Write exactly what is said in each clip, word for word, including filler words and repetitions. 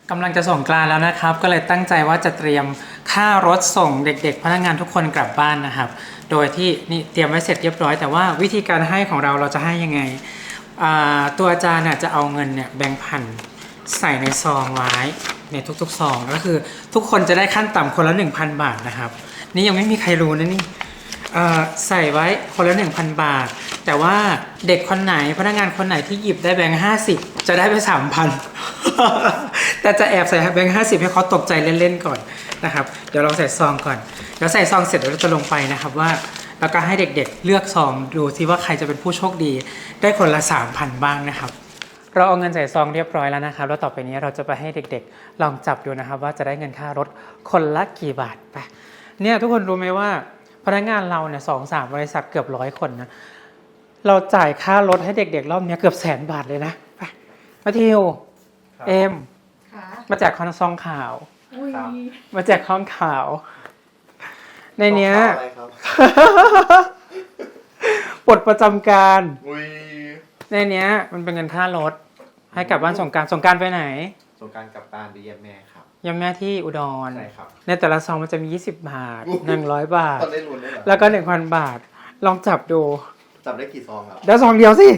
กำลังจะส่งกรานต์แล้วนะครับก็เลยตั้งใจว่าจะเตรียมค่ารถส่งเด็กๆพนักงานทุกคนกลับบ้านนะครับโดยที่นี่เตรียมไว้เสร็จเรียบร้อยแต่ว่าวิธีการให้ของเราเราจะให้ยังไงตัวอาจารย์จะเอาเงินเนี่ยแบงค์พันใส่ในซองไว้ในทุกๆซองก็คือทุกคนจะได้ขั้นต่ำคนละ หนึ่งพัน บาทนะครับนี่ยังไม่มีใครรู้นะนี่ใส่ไว้คนละ หนึ่งพัน บาทแต่ว่าเด็กคนไหนพนักงานคนไหนที่หยิบได้แบงค์ห้าสิบจะได้ไป สามพัน แต่จะแอบใส่แบงค์ห้าสิบให้เขาตกใจเล่นๆก่อนนะครับเดี๋ยวเราใส่ซองก่อนเดี๋ยวใส่ซองเสร็จเดี๋ยวเราจะลงไปนะครับว่าแล้วก็ให้เด็กๆเลือกซองดูซิว่าใครจะเป็นผู้โชคดีได้คนละ สามพัน บ้างนะครับเราเอาเงินใส่ซองเรียบร้อยแล้วนะครับแล้วต่อไปนี้เราจะไปให้เด็กๆลองจับดูนะครับว่าจะได้เงินค่ารถคนละกี่บาทไปเนี่ยทุกคนรู้ไหมว่าพนักงานเราเนี่ยสองสามบริษัทเกือบร้อยคนนะเราจ่ายค่ารถให้เด็กๆรอบนี้เกือบแสนบาทเลยนะไปมาทิวเอ็มมาแจกคอนซองข่าวมาแจกข้องข่าวในเนี้ยปลดประจำการในเนี้ยมันเป็นเงินค่ารถให้กลับบ้านสงกรานต์สงกรานต์ไปไหนสงกรานต์กลับบ้านไปเยี่ยมแม่ครับเยี่ยมแม่ที่อุดรใช่ครับในแต่ละซองมันจะมียี่สิบบาทหนึ่งร้อยบาทได้ลุ้นได้เหรอแล้วก็ หนึ่งพัน บาทลองจับดูจับได้กี่ซองครับได้ซองเดียวสิ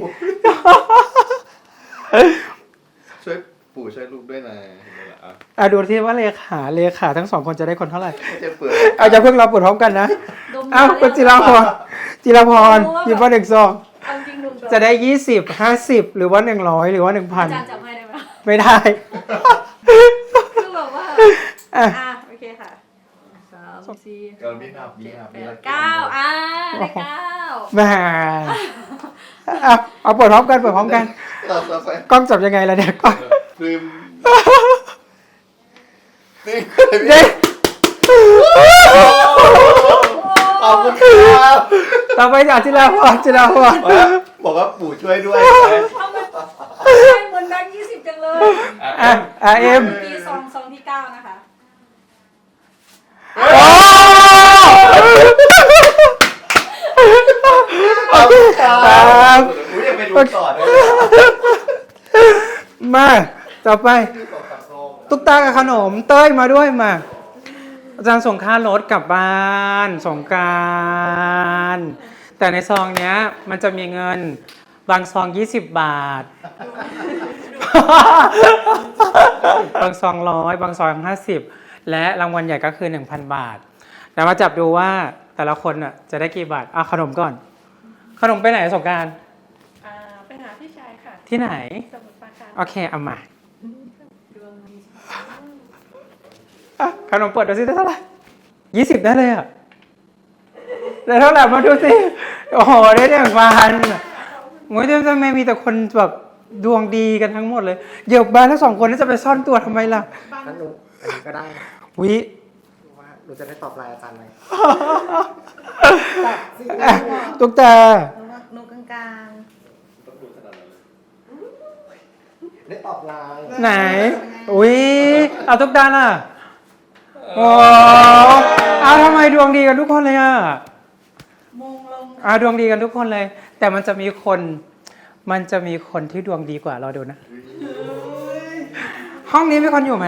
ช่วยปู่ช่วยลูกด้วยนะอ่ะดูที่ว่าเลขาเลขาทั้งสองคนจะได้คนเท่าไหร่จะเปิดเอาจะเพิ่งเราเปิดพร้อมกันนะอ้าวคุณจิราพรจิราพรหยิบมาหนึ่งซองจะได้ยี่สิบห้าสิบหรือว่าหนึ่งร้อยหรือว่าหนึ่งพันอาจารย์จับให้ได้ไหมไม่ได้คือแบบว่าอ่ะโอเคค่ะสามสี่เก้ามีนับมีนับมีเก้าอ่ะได้เก้าแม่เอาเอาเปิดพร้อมกันเปิดพร้อมกันกล้องจับยังไงล่ะเนี่ยกล้องลืมนี่นี่ขอบคุณครับต่อไปจากจิราพรจิราพรบอกว่าปู่ช่วยด้วยทำไมให้เหมือนแบงค์ยี่สิบจังเลยอ่ะอ่ะเอ็มปีซองซองที่เก้านะคะขอบคุณครับอุ้ยยังไปดูต่อได้มาต่อไปตุ๊กตากับขนมเต้ยมาด้วยมาอาจารย์ส่งค่ารถกลับบ้านสงกรานต์แต่ในซองเนี้ยมันจะมีเงินบางซองยี่สิบบาทบางซองร้อยบางซองห้าสิบและรางวัลใหญ่ก็คือ หนึ่งพัน บาทแต่มาจับดูว่าแต่ละคนน่ะจะได้กี่บาทเอาขนมก่อนขนมไปไหนสงกรานต์อ่าไปหาพี่ชายค่ะที่ไหนสมุทรปราการโอเคเอามาขนมเปิดดูสิได้เท่าไหร่ยี่สิบได้เลยอ่ะได้เท่าไหร่มาดูสิโอ้โหได้หนึ่งพันโอ้ยทำไมมีแต่คนแบบดวงดีกันทั้งหมดเลยเดี๋ยวบ้านทั้งสองคนนี่จะไปซ่อนตัวทำไมล่ะงั้นหนูอันนี้ก็ได้วิว่าหนูจะได้ตอบไลน์อาจารย์ไหมตุ๊กตาหนูกลางๆได้ตอบไลน์ไหนอุ้ยเอาตุ๊กตาล่ะโอ้เอาทำไมดวงดีกันทุกคนเลยอ่ะมงลงอ่าดวงดีกันทุกคนเลยแต่มันจะมีคนมันจะมีคนที่ดวงดีกว่าเราดูนะห้องนี้มีคนอยู่ไหม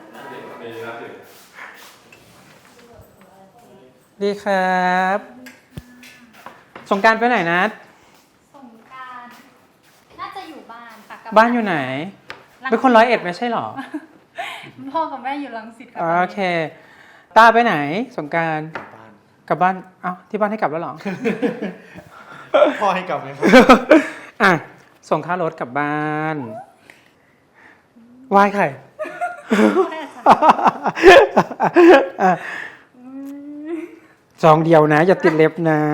ดีครับสงกรานต์ไปไหนนะสงกรานต์น่าจะอยู่บ้านค่ะบ้านอยู่ไหนเป็นคนร้อยเอ็ดไม่ใช่หรอพ่อกับแม่อยู่รังสิตโอเคตาไปไหนสงกรานต์กลับบ้านเอ้าที่บ้านให้กลับแล้วหรอพ่อให้กลับไหมครับอ่ะส่งค่ารถกลับบ้านไหว้ใครซองเดียวนะอย่าติดเล็บนะ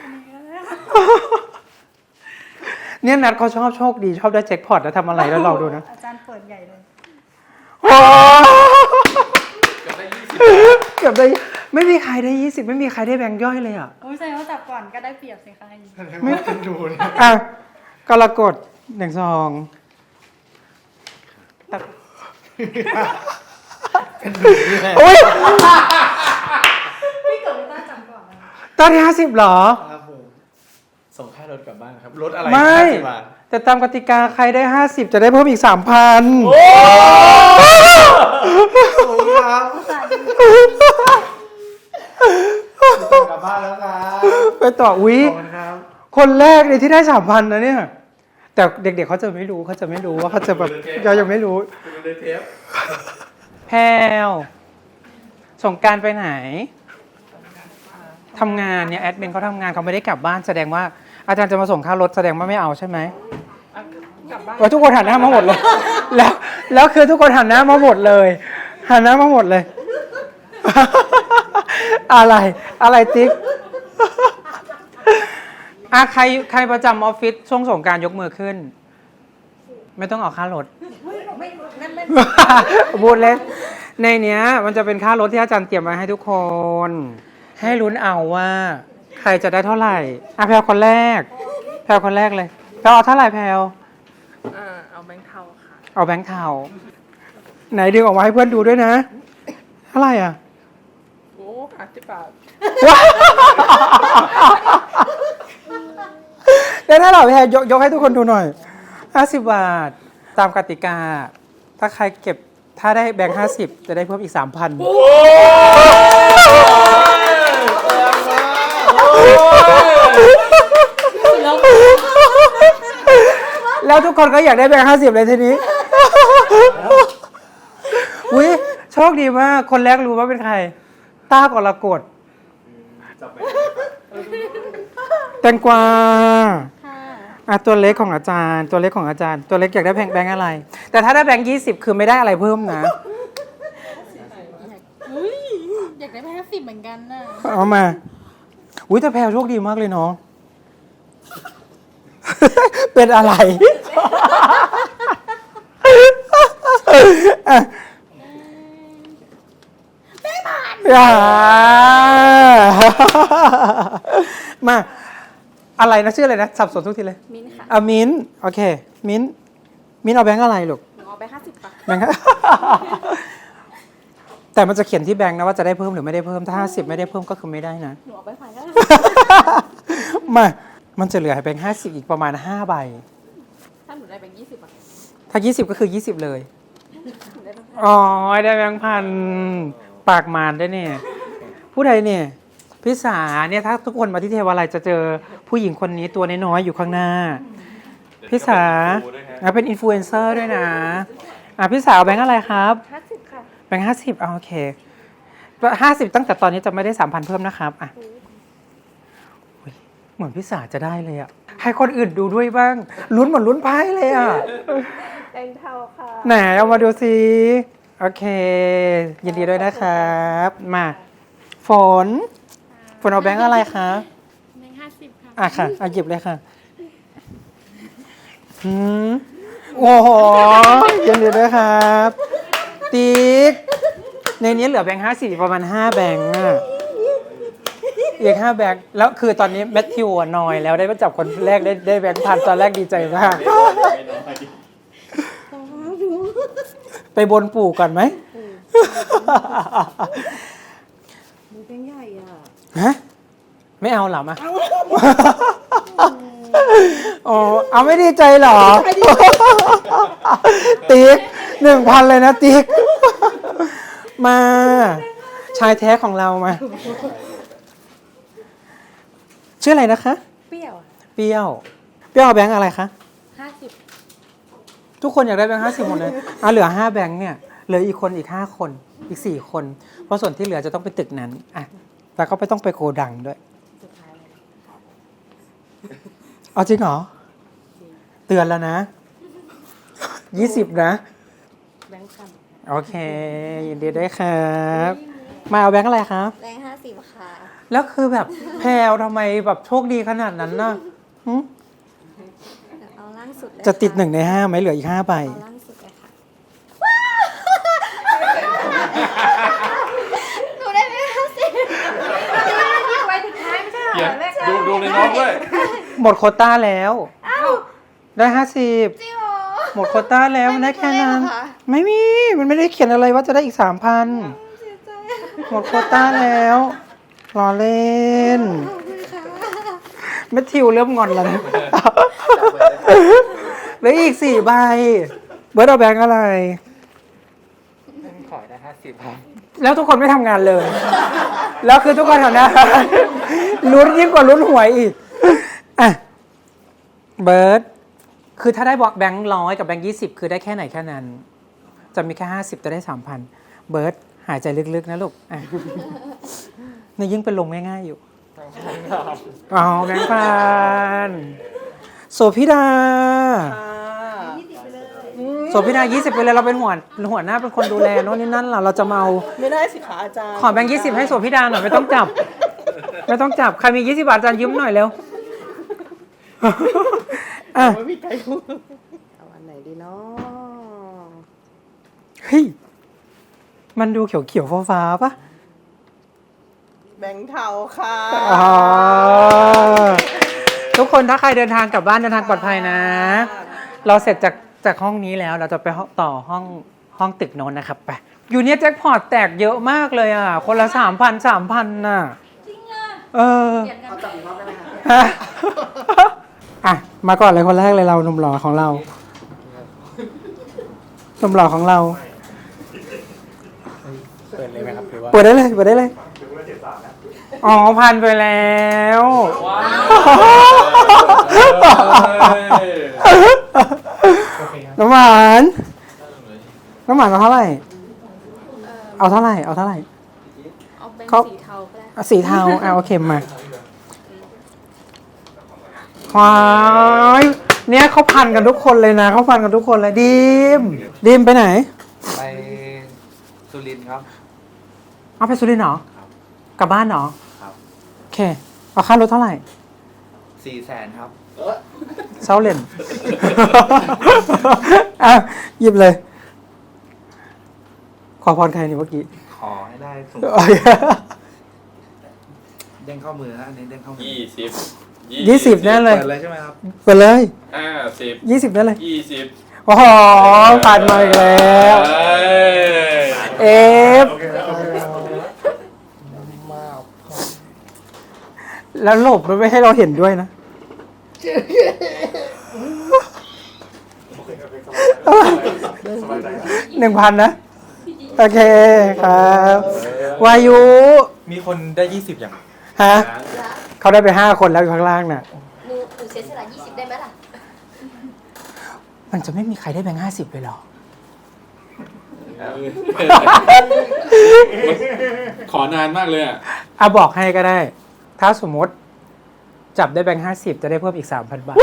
เนี่ยนัดเขาชอบโชคดีชอบได้แจ็คพอตแล้วทำอะไรแล้วลองดูนะอาจารย์เปิดใหญ่เลยโอ้เกือบได้ยี่สิบเกือบได้ไม่มีใครได้ยี่สิบไม่มีใครได้แบงค์ย่อยเลยอ่ะโอ้ยแสดงว่าจับก่อนก็ได้เปรียบสิคะไม่เป็นดูเลยอ่ะกรกฎหนึ่งซองเป็นดูนี่แหละโอ้ยพี่เกิดไม่ต้องจับก่อนตอนที่ห้าสิบหรอครับผมส่งค่ารถกลับบ้านครับรถอะไรไม่ห้าสิบบาทแต่ตามกติกาใครได้ห้าสิบจะได้เพิ่มอีกสามพันต่ออุ้ยขอบคุณครับคนแรกเลยที่ได้สามพันนะเนี่ย แต่เด็กๆเขาจะไม่รู้เขาจะไม่รู้ว่าเขาจะแบบเรายังไม่รู้ดูในเทปแพลวสงกรานต์ไปไหนทำงานเนี่ยแอดมินเขาทำงานเขาไม่ได้กลับบ้านแสดงว่าอาจารย์จะมาส่งค่ารถแสดงว่าไม่เอาใช่ไหมกลับบ้านว่าทุกคนหันหน้ามาหมดเลย แล้วแล้วคือทุกคนหันหน้ามาหมดเลยหันหน้ามาหมดเลย อะไรอะไรติ๊ก อ่ะใครใครประจำออฟฟิศช่วงสงกรานต์ยกมือขึ้น ไม่ต้องออกค่ารถไม่นั่นไม่พูดเล่นในเนี้ย มันจะเป็นค่ารถที่อาจารย์เตรียมมาให้ทุกคน ให้ลุ้นเอาว่า ใครจะได้เท่าไหร่อ่ะแพลวคนแรก แพลวคนแรกเลยแพลวเอาเท่าไหร่แพลวอ่าเอาแบงค์เทาค่ะเอาแบงค์เทาไหนดึงออกมาให้เพื่อนดูด้วยนะ เท่าไหร่อ่ะโอ้ห้าสิบบาทว้าวได้เท่าไหร่แพลยกยกให้ทุกคนดูหน่อยห้าสิบบาท ตามกติกา ถ้าใครเก็บถ้าได้แบงค์ห้าสิบจะได้เพิ่มอีกสามพันแล้วทุกคนก็อยากได้แบงค์ห้าสิบเลยทีนี้อุ้ยโชคดีมาก คนแรกรู้ว่าเป็นใคร ต้ากรกฎจับไปแตงกวาค่ะอ่ะตัวเล็กของอาจารย์ ตัวเล็กของอาจารย์ ตัวเล็กอยากได้แบงค์แบงค์อะไร แต่ถ้าได้แบงค์ยี่สิบคือไม่ได้อะไรเพิ่มนะอุ้ยอยากได้แพ้สิบเหมือนกันน่ะเอามา อุ้ยแต่แพลวโชคดีมากเลยเนาะ เป็นอะไรอ่ะอย่ามา อะไรนะชื่ออะไรนะ สับสนทุกทีเลยมิ้นท์ค่ะอามินท์โอเค มินท์มินท์เอาแบงค์อะไรลูกหนูเอาไปห้าสิบค่ะแบงค์ แต่มันจะเขียนที่แบงค์นะว่าจะได้เพิ่มหรือไม่ได้เพิ่ม ถ้าห้าสิบไม่ได้เพิ่มก็คือไม่ได้นะหนูเอาไปพันก็ได้มา มันจะเหลือให้แบงค์ห้าสิบอีกประมาณห้าใบถ้าหนูได้แบงค์ยี่สิบอ่ะถ้ายี่สิบก็คือยี่สิบเลยหนูได้แบงค์พันอ๋อ ได้แบงค์พัน ปากมารได้เนี่ย ผู้ใดเนี่ย พิสาเนี่ยถ้าทุกคนมาที่เทวาลัยจะเจอผู้หญิงคนนี้ตัวน้อยๆอยู่ข้างหน้า พิสาอ่ะเป็นอินฟลูเอนเซอร์ด้วยนะ อ่ะพิสาเอาแบงค์อะไรครับห้าสิบค่ะแบงค์ห้าสิบโอเคห้าสิบตั้งแต่ตอนนี้จะไม่ได้สามพันเพิ่มนะครับอ่ะอุ๊ยเหมือนพิสาจะได้เลยอ่ะ ให้คนอื่นดูด้วยบ้าง ลุ้นเหมือนลุ้นไพ่เลยอ่ะแบงค์เทาค่ะไหนเอามาดูสิโอเค ยินดีด้วยนะครับ มาฝนฝนเอาแบงค์อะไรคะแบงค์ห้าสิบค่ะอ่ะค่ะเอาหยิบเลยค่ะหืมโอ้โหยินดีด้วยครับ ติ๊กในนี้เหลือแบงค์ห้าสิบประมาณห้าแบงค์อ่ะอีกห้าแบงค์แล้วคือตอนนี้แมทธิวอะนอยแล้วได้มาจับคนแรกได้ได้แบงค์พันตอนแรกดีใจมาก ไปบนปู่ก่อนไหมหนูแบงค์ใหญ่อ่ะฮะ ไม่เอาเหรอมาอ๋อเอาไม่ดีใจเหรอ ติ๊กหนึ่งพันเลยนะติ๊ก มา ชายแท้ของเรามา ชื่ออะไรนะคะเปรี้ยวอะเปรี้ยว เปรี้ยวเอาแบงค์อะไรคะห้าสิบทุกคนอยากได้แบงค์ห้าสิบหมดเลยอ่ะเหลือห้าแบงค์เนี่ย เหลืออีกคนอีกห้าคน อีกสี่คน เพราะส่วนที่เหลือจะต้องไปตึกนั้นอ่ะแล้วก็ไม่ต้องไปโกดังด้วยสุดท้ายเลยเอาจริงเหรอ เตือนแล้วนะ ยี่สิบนะแบงค์พันโอเค ยินดีด้วยครับ มาเอาแบงค์อะไรครับแบงค์ห้าสิบค่ะแล้วคือแบบแพรวทำไมแบบโชคดีขนาดนั้นน่ะหึเอาล่างสุดเลยจะติดค่หนึ่งในห้าไหมเหลืออีกห้าใบเอาล่างสุดเลยค่ะหนูได้แบงค์ห้าสิบนี่ไว้ถึงท้ายไม่ใช่เหรเขียอน แบงค์ดูดูในน้องด้วยหมดโควต้าแล้วอ้าวได้ห้าสิบจริงเหรอหมดโควต้าแล้วมันได้แค่นั้นไม่มีตัวเลขเหรอคะไม่มี มันไม่ได้เขียนอะไรว่าจะได้อีกสามพันเสียใจหมดโควต้าแล้วรอเล่นขอบคุณค่ะแมทธิวเริ่มงอนแล้วนะเหลืออีกสี่ใบ เบิร์ดเอาแบงค์อะไรขอได้ห้าสิบครับแล้วทุกคนไม่ทำงานเลย แล้วคือทุกคนแถวนั้น ลุ้นยิ่งกว่าลุ้นหวยอีกอ่ะเบิร์ดคือถ้าได้บอกแบงค์ร้อยกับแบงค์ยี่สิบคือได้แค่ไหนแค่นั้น จะมีแค่ห้าสิบจะได้สามพันเบิร์ดหายใจลึกๆนะลูกอ่ะนี่ยิ่งเป็นลมง่ายๆอยู่อ๋อแบงค์พันโสภิดายี่สิบไปเลยโสภิดายี่สิบไปเลยเราเป็นหัวหัวหน้าเป็นคนดูแลโน่นนี่นั่นล่ะเราจะมาเอาไม่ได้สิคะอาจารย์ขอแบงค์ยี่สิบให้โสภิดาหน่อยไม่ต้องจับ ไม่ต้องจับใครมียี่สิบบาทอาจารย์ยืมหน่อยเร็วอ่ะไม่มีใครพูดเอาอันไหนดีเนาะเฮ้ยมันดูเขียวเขียวๆฟ้าๆปะแบงค์เทาค่ะอ๋อทุกคนถ้าใครเดินทางกลับบ้านเดินทางปลอดภัยนะ เราเสร็จจากจากห้องนี้แล้วเราจะไปต่อห้องห้องตึกโน้นนะครับไปอยู่เนี้ยแจ็คพอตแตกเยอะมากเลยอ่ะคนละสามพันสามพันน่ะจริงอ่ะเออเปลี่ยนกันเอาจับอีกรอบได้ไหมคะฮะอ่ะมาก่อนเลยคนแรกเลยเราหนุ่มหล่อของเราหนุ่มหล่อของเราเปิดเลยไหมครับหรือว่าเปิดได้เลยเปิดได้เลยอ๋อพันไปแล้วน้ำหวานน้ำหวานเอาเท่าไหร่เอาเท่าไหร่เอาเท่าไหร่เอาเป็นเขาสีเทาก็ได้อ่ะสีเทาอ่ะโอเคมาควายเนี่ยเขาพันกันทุกคนเลยนะเขาพันกันทุกคนเลยดิมดิมไปไหนไปสุรินทร์ครับเอาไปสุรินทร์เหรอครับกลับบ้านเหรอครับโอเคเอาค่ารถเท่าไหร่สี่แสนครับเซาเลน อ่ะหยิบเลย ขอพรใครนี่เมื่อกี้ขอให้ได้สูงเด้งเข้ามือนะอันนี้เด้งเข้ามือยี่สิบยี่สิบแน่เลยเปิดเลยใช่ไหมครับไปเลยห้าสิบยี่สิบแน่เลยยี่สิบโอ้โหผ่านมาอีกแล้วเอ้ยเอฟแล้วหลบมันไม่ให้เราเห็นด้วยนะหนึ่งพันนะ โอเคครับ วายุมีคนได้ยี่สิบอย่างฮะเขาได้ไปห้าคนแล้วอยู่ข้างล่างน่ะหนูหนูเสียสละยี่สิบได้ไหมล่ะมันจะไม่มีใครได้แบงค์ห้าสิบเลยเหรอขอนานมากเลยอ่ะอ่ะบอกให้ก็ได้ ถ้าสมมติจับได้แบงค์ห้าสิบจะได้เพิ่มอีกสามพันบาท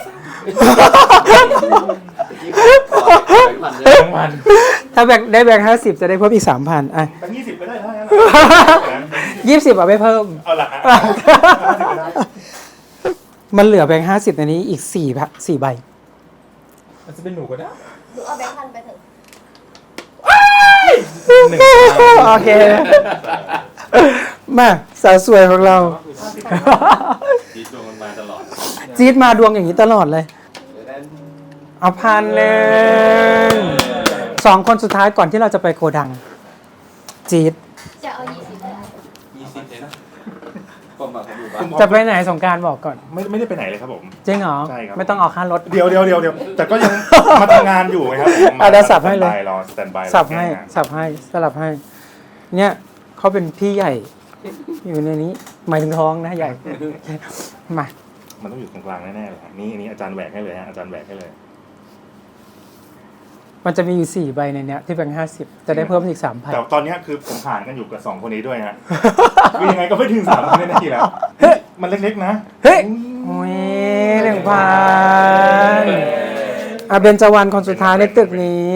ถ้าแบงค์ได้แบงค์ห้าสิบจะได้เพิ่มอีกสามพันอ่ะแบงค์ยี่สิบไปได้แล้วยี่สิบเอาไปเพิ่มเอาละมันเหลือแบงค์ห้าสิบในนี้อีกสี่สี่ใบมันจะเป็นหนูก็ได้หนูเอาแบงค์พันไปเถอะหนึ่งโอเค มาสาวสวยของเราดีดวงมันมาตลอดจี๊ดมาดวงอย่างนี้ตลอดเลย เอาพันหนึ่งสองคนสุดท้ายก่อนที่เราจะไปโกดัง จี๊ดจะเอายี่สิบได้ยี่สิบเองผมบอกผมอยู่บ้านจะไปไหนสงกรารบอกก่อนไม่ไม่ได้ไปไหนเลยครับผมจริงเหรอใช่ครับไม่ต้องออกค่ารถเดี๋ยวเดี๋ยวเดี๋ยวเดี๋ยวแต่ก็ยังมาทำงานอยู่ไงครับผมอ่ะเดี๋ยวสับให้เลยรอสแตนบายรอสับให้แก้งานสับให้สลับให้ เนี่ยเขาเป็นพี่ใหญ่ อยู่ในนี้ หมายถึงท้องนะใหญ่ มามันต้องอยู่ตรงกลางแน่ๆเลยฮะนี่อันนี้อาจารย์แหวกให้เลยฮะอาจารย์แหวกให้เลยมันจะมีอยู่สี่ใบในเนี้ยที่แบงค์ห้าสิบจะได้เพิ่มอีกสามพันแต่ตอนเนี้ยคือผมผ่านกันอยู่กับสองคนนี้ด้วยฮะ คือยังไงก็ไม่ถึงสามพันนาทีแล้วมันเล็กๆนะเฮ้ยโอ้ยหนึ่งพันอ่ะเบญจวรรณคนสุดท้ายในตึกนี้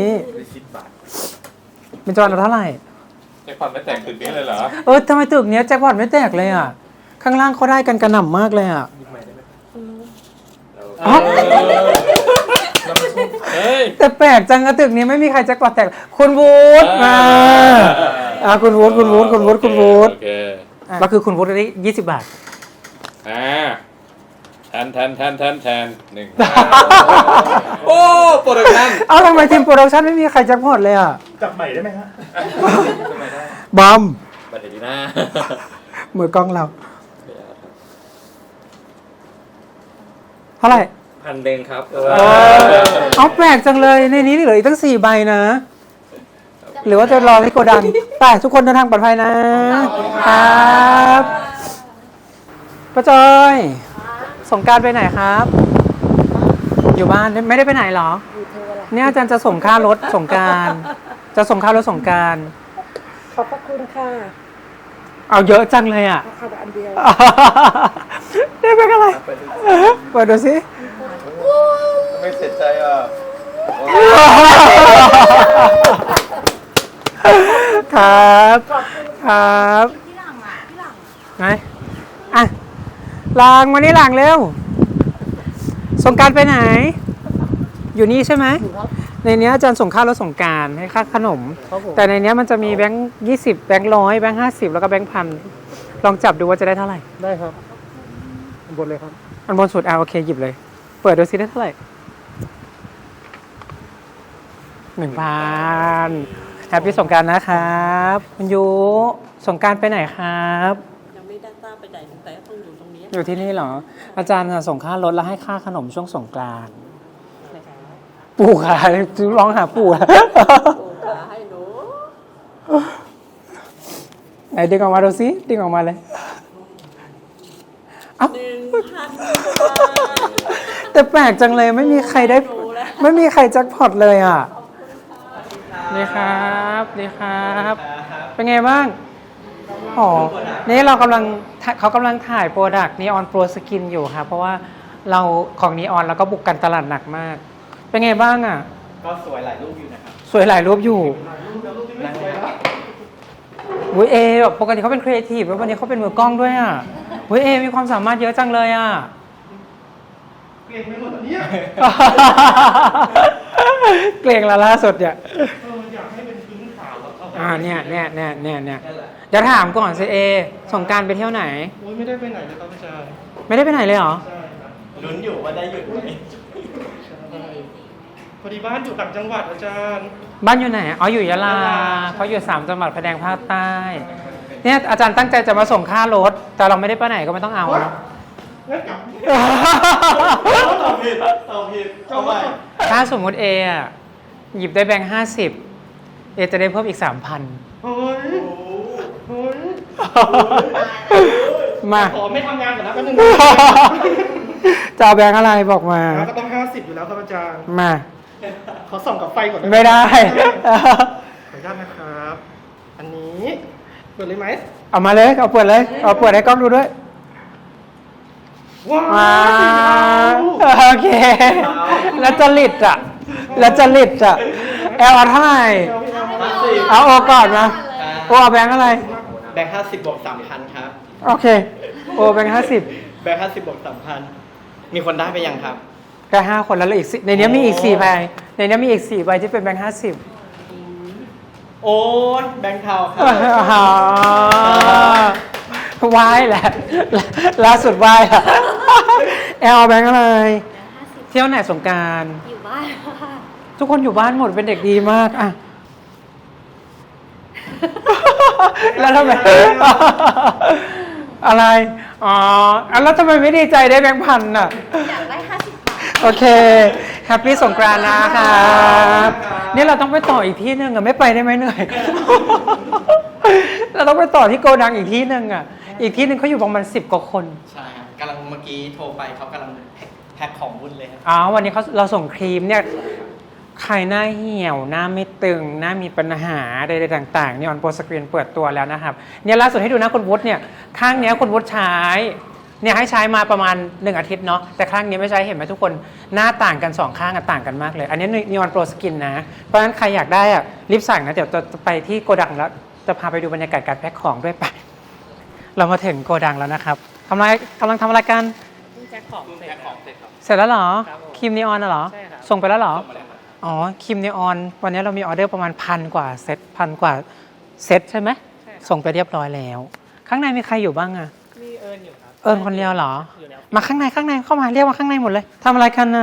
เบญจวรรณเอาเท่าไหร่แจ็คพอตไม่แต่งตึกนี้เลยเหรอเออทำไมตึกเนี้ยแจ็คพอตไม่แตกเลยอ่ะ ข้างล่างเขาได้กันกระหน่ำมากเลยอ่ะอ๋อเฮ้ยแต่แปลกจังอะตึกนี้ไม่มีใครแจ็คพอตแตก คุณวูดมาอ่ะคุณวูดคุณวูดคุณวูดคุณวูดโอเคอ่ะก็คือคุณวูดได้ยี่สิบบาทอ่าแทนแทนแทนแทนแทนหนึ่งโอ้โปรดักชั่นเอ้าทำไมทีมโปรดักชั่นไม่มีใครแจ็คพอตเลยอ่ะจับใหม่ได้ไหมฮะบอมบัตรดีนะมือกล้องเรา เท่าไหร่พันเด้งครับเอาแปลกจังเลยในนี้เหลืออีกตั้งสี่ใบนะจะหรือว่าจะรอที่โกดังไปทุกคนเดินทางปลอดภัยนะครับป้าจอยสงกรานต์ไปไหนครับ อยู่บ้านไม่ได้ไปไหนเหรอเนี่ยอาจารย์จะส่งค่ารถสงกรานต์จะส่งค่ารถสงกรานต์ขอบพระคุณค่ะเอาเยอะจังเลยอ่ะเอาอันเดียวได้เป็นอะไรเปิดดูสิไม่เสียใจอ่ะครับครับไหนอ่ะลางมานี่ลางเร็วสงกรานต์ไปไหน อยู่นี่ใช่ไหมในนี้อาจารย์ส่งค่ารถสงกรานต์ให้ค่าขนม แต่ในนี้มันจะมีแบงค์ยี่สิบแบงค์ร้อยแบงค์ห้าสิบแล้วก็แบงค์พันลองจับดูว่าจะได้เท่าไหร่ได้ครับบนเลยครับอันบนสุดอ่ะโอเคหยิบเลย เปิดดูซิได้เท่าไหร่หนึ่งพันแฮปปี้สงกรานต์นะครับคุณยูสงกรานต์ไปไหนครับยังไม่ได้ทราบไปไหนแต่ต้องอยู่ตรงนี้อยู่ที่นี่เหรอ อาจารย์น่ะส่งค่ารถแล้วให้ค่าขนมช่วงสงกรานต์ปู่ค่ะร้องหาปู่อะขาให้หนูไหนดึงออกมาดูซิดึงออกมาเลยเอ้าหนึ่งพันแต่แปลกจังเลยไม่มีใครได้ ไม่มีใครแจ็คพอตเลยอ่ะนี่ครับนี่ครับ เป็นไงบ้างอ๋อนี่เรากำลังเขากำลังถ่ายโปรดักต์นีออนโปรสกินอยู่ค่ะเพราะว่าเราของนีออนเราก็บุกกันตลาดหนักมาก เป็นไงบ้างอ่ะก็สวยหลายรูปอยู่นะครับสวยหลายรูปอยู่วุ้ยเอแบบปกติเขาเป็นครีเอทีฟแล้ววันนี้เขาเป็นมือกล้องด้วยอ่ะวุ้ยเอมีความสามารถเยอะจังเลยอ่ะเกรงไม่หมดเนี่ยเกรงละล่าสุดเนี่ยอยากให้เป็นพื้นขาวอ่าเนี่ยเนี่ยเนี่ยเนี่ยเนี่ยเดี๋ยวถามก่อนสิเอสงกรานต์ไปเที่ยวไหนโอ้ยไม่ได้ไปไหนเลยครับอาจารย์ไม่ได้ไปไหนเลยเหรอใช่ครับลุ้นอยู่ว่าได้หยุดไหมพอดีบ้านอยู่ต่างจังหวัดอาจารย์บ้านอยู่ไหนอ๋ออยู่ยะลาเขาอยู่สามจังหวัดภาคแดงภาคใต้เนี่ยอาจารย์ตั้งใจจะมาส่งค่ารถแต่เราไม่ได้ไปไหนก็ไม่ต้องเอาเนาะตอบผิดตอบผิดเข้าไปถ้าสมมติเออะหยิบได้แบงค์ห้าสิบเอจะได้เพิ่มอีกสามพันโอ้ยโอ้ยมาขอไม่ทำงานก่อนนะแป๊บนึงจะเอาแบงค์อะไรบอกมาก็ต้องห้าสิบอยู่แล้วครับอาจารย์มาขอส่องกับไฟก่อนไม่ได้ขออนุญาตนะครับ อันนี้เปิดเลยไหมเอามาเลยเอาเปิดเลยเอาเปิดให้กล้องดูด้วยว้าว้าววโอเค แล้วจะลิดอ่ะ แล้วจะลิดอ่ะแอลเอาเท่าไหร่เอาโอก่อนมาโอเอาแบงค์อะไรแบงค์ห้าสิบบวกสามพันครับโอเคโอแบงค์ห้าสิบแบงค์ห้าสิบบวกสามพันมีคนได้ไปยังครับแค่ห้าคนแล้วเหลืออีกสี่ในนี้มีอีกสี่ใบในนี้มีอีกสี่ใบที่เป็นแบงค์ห้าสิบโอ้ยแบงค์เทาครับวายแหละล่าสุดวายอะแอลแบงค์อะไร เที่ยวไหนสงกรานต์อยู่บ้านค่ะทุกคนอยู่บ้านหมดเป็นเด็กดีมากอะแล้วทำไมอะไรอ๋อแล้วทำไมไม่ดีใจได้แบงค์พันอ่ะอยากได้ห้าสิบบาทโอเคแฮปปี้สงกรานต์นะครับนี่เราต้องไปต่ออีกที่หนึ่งอะไม่ไปได้ไหมเหนื่อย เราต้องไปต่อที่โกดังอีกที่หนึ่งอะอีกที่หนึ่งเขาอยู่ประมาณสิบกว่าคนใช่ครับกำลังเมื่อกี้โทรไปเขากำลังแพ็คของวุ่นเลยครับอ๋อวันนี้เขาเราส่งครีมเนี่ยใครหน้าเหี่ยวหน้าไม่ตึงหน้ามีปัญหาใดๆต่างๆนี่ออนโปรสกรีนเปิดตัวแล้วนะครับเนี่ยล่าสุดให้ดูนะคุณวุฒิเนี่ยข้างเนี้ยคุณวุฒิใช้เนี่ยให้ใช้มาประมาณหนึ่งอาทิตย์เนาะแต่ข้างนี้ไม่ใช้เห็นไหมทุกคนหน้าต่างกันสองข้างอะต่างกันมากเลย อันนี้นีออนโปรสกินนะเพราะฉะนั้นใครอยากได้อะรีบสั่งนะเดี๋ยวจะไปที่โกดังแล้วจะพาไปดูบรรยากาศการแพ็คของด้วยไปเรามาถึงโกดังแล้วนะครับทำอะไรกำลังทำอะไรกันแพ็คของเสร็จครับเสร็จแล้วเหรอครับผมครีมนีออนน่ะเหรอใช่ครับส่งไปแล้วเหรอส่งมาแล้วครับอ๋อครีมนีออนวันนี้เรามีออเดอร์ประมาณพันกว่าเซตพันกว่าเซตใช่ไหมส่งไปเรียบร้อยแล้ว ข้างในมีใครอยู่บ้างอะมีเอิญอยู่ครับเอิญคนเดียวเหรออยู่แล้วมาข้างในข้างในเข้ามาเรียกมาข้างในหมดเลยทำอะไรกันน่ะ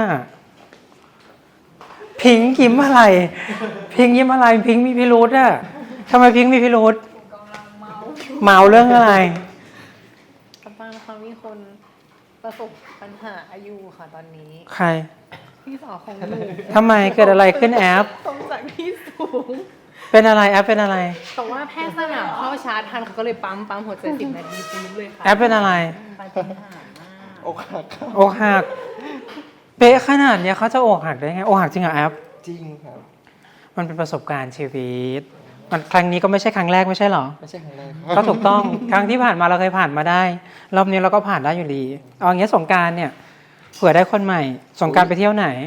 พิงค์ยิ้มอะไร พิงค์ยิ้มอะไร พิงค์มีพิรุธอะทำไมพิงค์มีพิรุธเมาเรื่องอะไรกำลังเขามีคนประสบปัญหาอยู่ค่ะตอนนี้ใครพี่สาวของหนูทำไมเกิดอะไรขึ้นแอปตรงจากที่สูงเป็นอะไรแอปเป็นอะไรแต่ว่าแพทย์สนามเข้าชาร์จทันเขาก็เลยปั๊มปั๊มหัวใจสิบนาทีปุ๊บเลยค่ะแอปเป็นอะไรปาฏิหาริย์มากอกหักครับอกหักเป๊ะขนาดเนี้ยเขาจะอกหักได้ไงอกหักจริงเหรอแอปจริงครับมันเป็นประสบการณ์ชีวิตมันครั้งนี้ก็ไม่ใช่ครั้งแรกไม่ใช่เหรอไม่ใช่ครั้งแรกก็ถูกต้อง ครั้งที่ผ่านมาเราเคยผ่านมาได้ รอบนี้เราก็ผ่านได้อยู่ดี เอาอย่างเงี้ยสงกรานต์เนี่ยเผื่อได้คนใหม่ สงกรานต์ไปเที่ยวไหน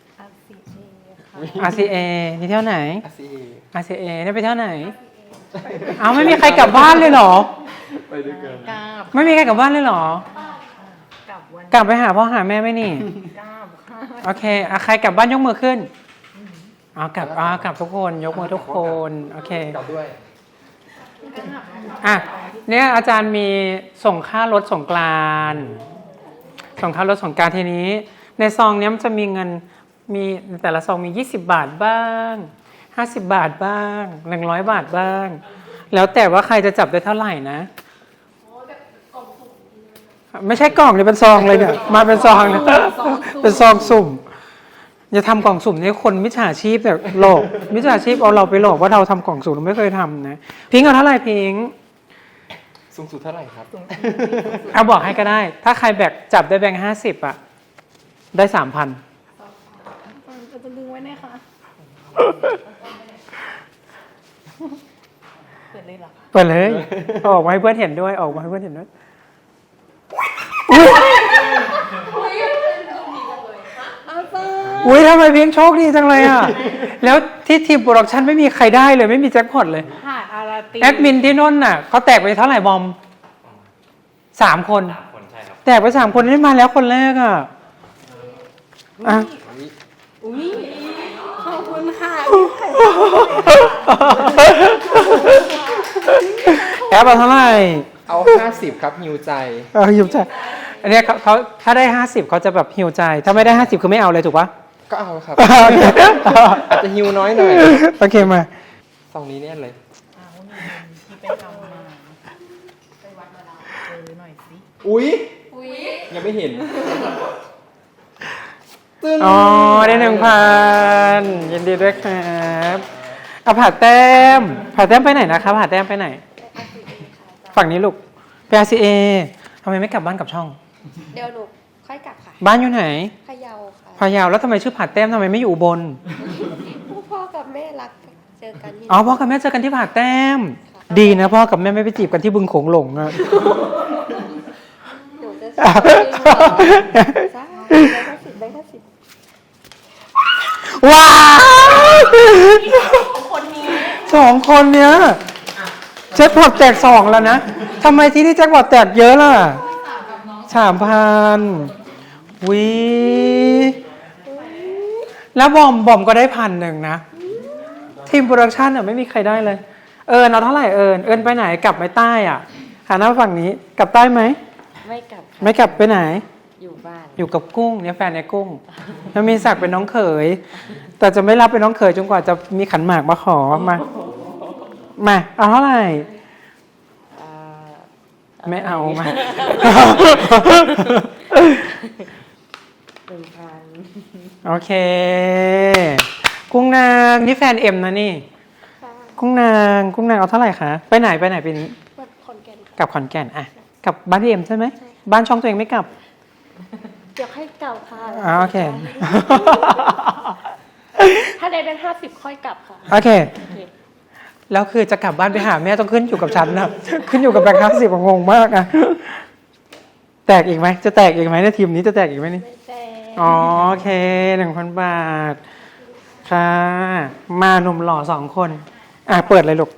อาร์ซีเอค่ะอาร์ ซี เอ นี่เที่ยวไหนอาซีอาร์ ซี เอ นี่ไปเที่ยวไหน เอาไม่มีใครกลับบ้านเลยเหรอไปด้วยกันกราบไม่มีใครกลับบ้านเลยเหรอกลับวันกลับไปหาพ่อหาแม่ไหมนี่กราบค่ะโอเคอ่ะใครกลับบ้านยกมือขึ้นเอากลับเอากลับทุกคน ยกมือทุกคน โอเคกลับด้วยอ่ะเนี่ยอาจารย์มีส่งค่ารถสงกรานต์ส่งค่ารถสงกรานต์ทีนี้ ในซองเนี้ยมันจะมีเงินมีแต่ละซองมียี่สิบบาทบ้างห้าสิบบาทบ้างหนึ่งร้อยบาทบ้าง แล้วแต่ว่าใครจะจับได้เท่าไหร่นะไม่ใช่กล่องเลยเป็นซองเลยเนี่ยมาเป็นซองเลยเป็นซองสุ่มอย่าทำกล่องสุ่มนี่คนมิจฉาชีพแบบหลอกมิจฉาชีพเอาเราไปหลอกว่าเราทำกล่องสุ่มเราไม่เคยทำนะพิงค์เอาเท่าไหร่พิงค์สูงสุดเท่าไหร่ครับเอาบอกให้ก็ได้ ถ้าใครแบกจับได้แบงค์ห้าสิบอะได้สามพันจะจะดึงไว้ไหมคะเปิดเลยเหรอคะเปิดเลยเอาออกมาให้เพื่อนเห็นด้วยออกมาให้เพื่อนเห็นด้วยอุ้ยทำไมเพียงโชคดีจังเลยอ่ะ แล้วที่ทีมโปรดักชันไม่มีใครได้เลยไม่มีแจ็คพอตเลยค่ะอาราตีแอดมินที่นนท์น่ะเขาแตกไปเท่าไหร่บอมสามคนแตกไปสามคนนี่มาแล้วคนแรกอ่ะอ่ะอุ้ยขอบคุณค่ะแอปเอาเท่าไหร่เอาห้าสิบครับฮิวใจเออหิวใจอันเนี้ยเขาเขาถ้าได้ห้าสิบเขาจะแบบหิวใจ ถ้าไม่ได้ห้าสิบคือไม่เอาเลยถูกปะก็เอาครับโอเคอาจจะฮิวน้อยหน่อยโอเคมาซองนี้เนี่ยเลยเอาเงินที่ไปทำมาไปวัดมาแล้วเจอหน่อยสิอุ๊ย ยังไม่เห็นอ๋อได้หนึ่งพันยินดีด้วยครับเอาผ่าแต้มผ่าแต้มไปไหนนะครับผ่าแต้มไปไหน ฝั่งนี้ลูกไป อาร์ ซี เอ ทำไมไม่กลับบ้านกับช่องเดี๋ยวหนูค่อยกลับค่ะบ้านอยู่ไหนพะเยาค่ะพะเยาแล้วทำไมชื่อผ่าแต้มทำไมไม่อยู่อุบลพ่อกับแม่รักเจอกันที่อ๋อพ่อกับแม่เจอกันที่ผ่าแต้ม ดีนะพ่อกับแม่ไม่ไปจีบกันที่บึงโขงหลงอะหนูจะซื้อจ้าได้แค่สิบได้แค่สิบว้าวสองคนเนี้ยแจ็คพอตแตกสองแล้วนะทำไมที่นี่แจ็คพอตแตกเยอะล่ะสามพันวิแล้วบอมบอมก็ได้พันหนึ่งนะทีมโปรดักชันอ่ะไม่มีใครได้เลย เอิญเอาเท่าไหร่เอิญเอิญไปไหนกลับไปใต้อ่ะหันหน้าฝั่งนี้กลับใต้ไหมไม่กลับไม่กลับไปไหนอยู่บ้านอยู่กับกุ้งเนี่ยแฟนไอ้กุ้งแล้วมีศักดิ์เป็นน้องเขย แต่จะไม่รับเป็นน้องเขยจนกว่าจะมีขันหมากมาขอมามาเอาเท่าไหร่ไม่เอามาเป็นพันโอเค กุ้งนางนี่แฟนเอ็มนะนี่ กุ้งนางกุ้งนางเอาเท่าไหร่คะไปไหนไปไหนปีนี้วัดขอนแก่นกลับขอนแก่นอะกลับบ้านพี่เอ็มใช่ไหมบ้านช่องตัวเองไม่กลับเดี๋ยวให้กลับค่ะอ๋อโอเคถ้าได้เป็นห้าสิบค่อยกลับค่ะโอเค แล้วคือจะกลับบ้านไปหาแม่ต้องขึ้นอยู่กับฉันนะ ขึ้นอยู่กับแบงค์ห้าสิบงงมากอะแตกอีกไหมจะแตกอีกไหมในทีมนี้จะแตกอีกไหมนี่ไม่แต่อ๋อโอเคหนึ่งพันบาท ค่ะ มาหนุ่มหล่อสองคน อ่ะ เปิดเลยลูก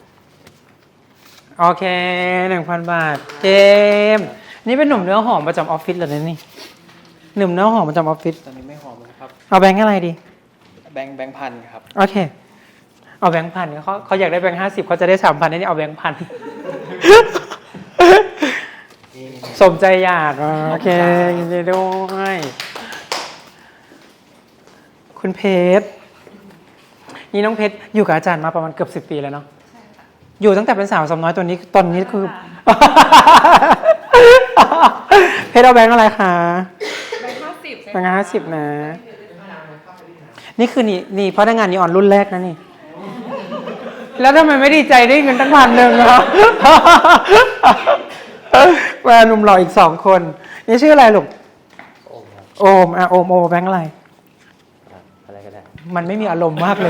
โอเคหนึ่งพันบาท เจมส์นี่เป็นหนุ่มเนื้อหอมประจำออฟฟิศเหรอเนี่ยนี่ หนุ่มเนื้อหอมประจำออฟฟิศตอนนี้ไม่หอมแล้วครับเอาแบงค์อะไรดีแบงค์แบงค์พันครับโอเค เอาแบงค์พันเขาเขาอยากได้แบงค์ห้าสิบเขาจะได้สามพันนี่เอาแบงค์พัน สมใจอยากอ่ะโอเคยินดีด้วย คุณเพชร นี่น้องเพชรอยู่กับอาจารย์มาประมาณเกือบสิบปีแล้วเนาะ อยู่ตั้งแต่เป็นสาวสาวน้อยตัวนี้ตอนนี้คือ เพชรเอาแบงค์อะไรคะแบงค์ห้าสิบแบงค์ห้าสิบนะ นี่คือนี่นี่พนักงานนีออนรุ่นแรกนะนี่แล้วทำไมไม่ดีใจได้เงินตั้งพันหนึ่งอ่ะ มาหนุ่มหล่ออีกสองคน นี่ชื่ออะไรลูก โอมอ่ะโอมโอมแบงค์อะไรอะไรก็ได้มันไม่มีอารมณ์มากเลย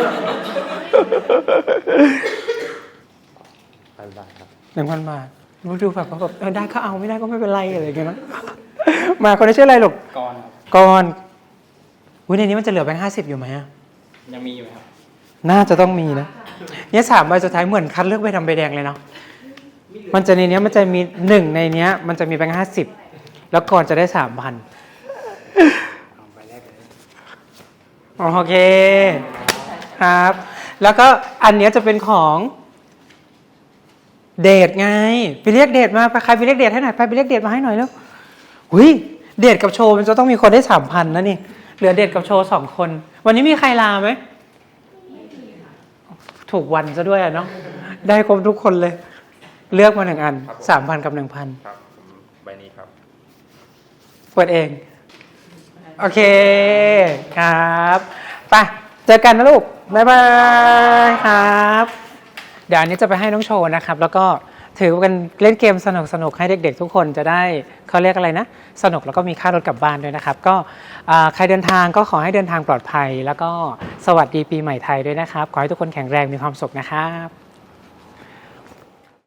พันบาทครับหนึ่งพันบาทรู้ดูแบบเขาแบบเออได้ก็เอาไม่ได้ก็ไม่เป็นไรอะไรอย่างเงี้ยนะมาคนนี้ชื่ออะไรลูกก่อนครับกรณ์อุ้ยในนี้มันจะเหลือแบงค์ห้าสิบอยู่ไหมอะยังมีอยู่ครับน่าจะต้องมีนะเนี่ยสามใบสุดท้ายเหมือนคัดเลือกใบดำใบแดงเลยเนาะมันจะในเนี้ยมันจะมีหนึ่งในเนี้ย มันจะมีแบงค์ห้าสิบแล้วก่อนจะได้สามพันโอเคครับ แล้วก็อันเนี้ยจะเป็นของเดทไงไปเรียกเดทมาไปใครไปเรียกเดทให้หน่อยไปไปเรียกเดทมาให้หน่อยแล้วหุยเดทกับโชว์มันจะต้องมีคนได้สามพันนะนี่เหลือเดทกับโชว์สองคน วันนี้มีใครลาไหมถูกวันซะด้วยอะเนาะได้ครบทุกคนเลย เลือกมาหนึ่งอันสามพันกับหนึ่งพันครับใบนี้ครับเปิดเองโอเคครับไปเจอกันนะลูกบ๊ายบายครับเดี๋ยวอันนี้จะไปให้น้องโชว์นะครับ แล้วก็ถือกันเล่นเกมสนุกสนุกให้เด็กๆทุกคนจะได้เขาเรียกอะไรนะสนุกแล้วก็มีค่ารถกลับบ้านด้วยนะครับ ก็ใครเดินทางก็ขอให้เดินทางปลอดภัย แล้วก็สวัสดีปีใหม่ไทยด้วยนะครับขอให้ทุกคนแข็งแรงมีความสุขนะครับ